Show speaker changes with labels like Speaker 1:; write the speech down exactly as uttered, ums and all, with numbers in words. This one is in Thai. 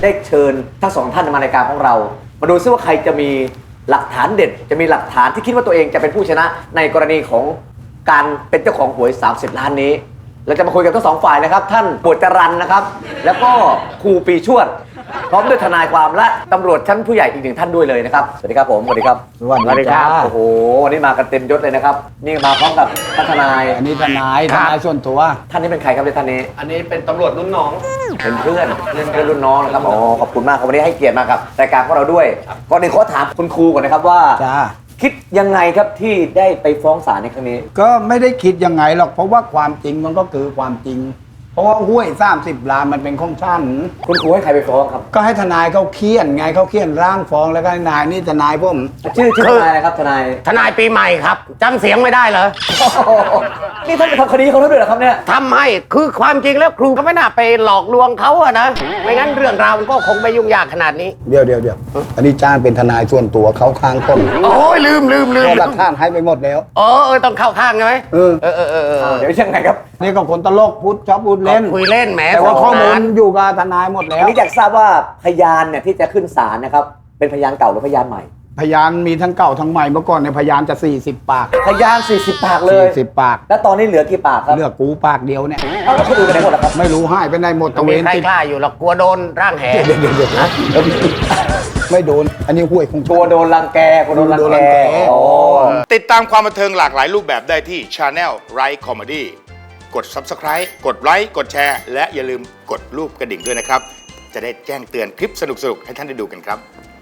Speaker 1: ได้เชิญทั้งสองท่านมารายการของเรามาดูซิว่าใครจะมีหลักฐานเด็ดจะมีหลักฐานที่คิดว่าตัวเองจะเป็นผู้ชนะในกรณีของการเป็นเจ้าของหวยสามสิบล้านนี้เราจะมาคุยกันทั้งสองฝ่ายนะครับท่านปวดจรันนะครับแล้วก็ครูปีชวดพร้อมด้วยทนายความและตำรวจชั้นผู้ใหญ่อีกหนึ่งท่านด้วยเลยนะครับสวัสดีครับผมสวัสดีครับ
Speaker 2: สวัสดีครับ
Speaker 1: โอ้โหวันนี้มากันเต็มยศเลยนะครับนี่มาพร้อมกับท่านทนาย
Speaker 2: อันนี้ทนายทนายส่วนตัว
Speaker 1: ท่านนี้เป็นใครครับเนี่ยท่านนี้
Speaker 3: อันนี้เป็นตำรวจรุ่นน้อง
Speaker 1: เป็นเพื่อนเพื่อนเพื่อนรุ่นน้องนะครับอ๋อขอบคุณมากครับวันนี้ให้เกียรติมากับรายการของเราด้วยก่อนอื่นขอถามคุณครูก่อนนะครับว่า
Speaker 2: จ้า
Speaker 1: คิดยังไงครับที่ได้ไปฟ้องศาลในครั้งนี้
Speaker 2: ก็ไม่ได้คิดยังไงหรอกเพราะว่าความจริงมันก็คือความจริง เพราะว่าห้วยสามสิบล้านมันเป็นของฉัน
Speaker 1: คุณครูให้ใครไปฟ้องครับ
Speaker 2: ก็ให้ทนายเขาเคี่ยนไงเขาเคี่ยนร่างฟ้องแล้วก็ให้นายนี่ทนายผม
Speaker 1: ชื่อชื่อทนายอะไรครับทนาย
Speaker 3: ทนายปีใหม่ครับจำเสียงไม่ได้เหรอ
Speaker 1: โอ้โหนี่ท่านไปทำคดีเขาแล้วด้วยเหรอครับเนี่ย
Speaker 3: ทำให้คือความจริงแล้วครูก็ไม่น่าไปหลอกลวงเขาอะนะไม่งั้นเรื่องราวมันก็คงไม่ยุ่งยากขนาดนี้
Speaker 2: เดี๋ยวเดี๋ยวเดี๋ยวอันนี้จ้างเป็นทนายส่วนตัวเขาข้างผม
Speaker 3: โอ้ยลืมลืมลืม
Speaker 2: ก็หลักฐานให้ไปหมดแล้ว
Speaker 3: เออเออต้องเข้าข้างใช่ไหม
Speaker 2: เออ
Speaker 3: เออเออเออเออ
Speaker 1: เดี๋ยวยังไงครับ
Speaker 2: นี่ก็คนตลกพูดชอบพูดเล่น
Speaker 3: คุยเล่นแหม
Speaker 2: แต่ว่าข้อมูล
Speaker 3: สงสร
Speaker 2: อยู่กับทนายหมดแล้
Speaker 1: อัน
Speaker 2: ว
Speaker 1: นี้อยากทราบว่าพยานเนี่ยที่จะขึ้นศาลนะครับเป็นพยานเก่าหรือพยานใหม่
Speaker 2: พยานมีทั้งเก่าทั้งใหม่เมื่อก่อนเนี่ยพยานจะ40 ปาก
Speaker 1: พยานสี่สิบปากเลย
Speaker 2: 40 ปาก
Speaker 1: แล้วตอนนี้เหลือกี่ปากครับ
Speaker 2: เลือกกูปากเดียวเนี่ย
Speaker 1: เอาแล้วคนอื่นไปไหนหมดล่ะครับ
Speaker 2: ไม่รู้ให้ไปไหนหมดตะเว
Speaker 3: มี
Speaker 2: น
Speaker 3: ใคร
Speaker 2: ติด
Speaker 3: กล้าอยู่หรอกกลัวโดนร่างแห
Speaker 2: เดี๋ยวเดี๋ยวเดี๋ยวนะไม่โดน อันนี้ห้วยของ
Speaker 1: กลัวโดนรังแกกลัวโดนรัง
Speaker 2: โดนรั
Speaker 1: แก
Speaker 2: งแก
Speaker 1: โอ้
Speaker 4: ติดตามความบันเทิงหลากหลายรูปแบบได้ที่ Channel Right Comedy กด Subscribe กดไลค์กดแชร์และอย่าลืมกดรูปกระดิ่งด้วยนะครับ จะได้แจ้งเตือนคลิปสนุกๆ ให้ท่านได้ดูกันครับ